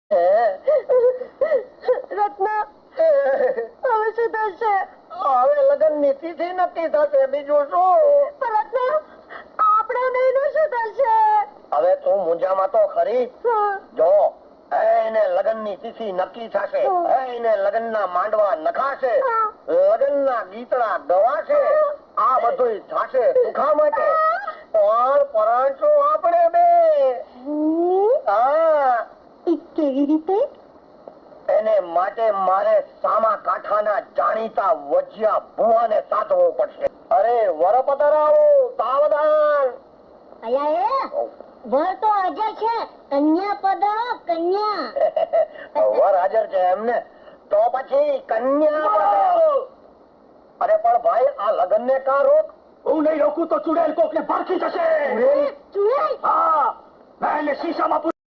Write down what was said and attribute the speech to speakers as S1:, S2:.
S1: રત્ના હવે શું થશે? હવે લગ્નની તિથિ નક્કી થશે, બીજું શું? રત્ના આપણે બેયનું શું થશે? હવે તું મૂંઝામાં તો ખરી. જો એને લગ્નની તિથિ નક્કી થશે, એને લગ્નના માંડવા નખાશે, લગ્નના ગીતડા ગવાશે, આ બધું થશે સુખા માટે. પણ પરણશું આપણે બે. હા, કેવી રીતે? એને માટે મારે સામા કાંઠાના જાણીતા વજિયા ભુવાને સાધવો પડશે. અરે વરપતરાઓ, સાવધાન.
S2: વર તો હાજર છે, કન્યા પધારો, કન્યા.
S1: વર હાજર છે એમને? તો પછી કન્યા પધારો. અરે પણ ભાઈ, આ લગ્ન ને કા રોક? હું નહીં રોકું તો ચુડેલ કોક ને પારખી જશે.
S2: ચુડેલ?
S1: હા, મેં શીશામાં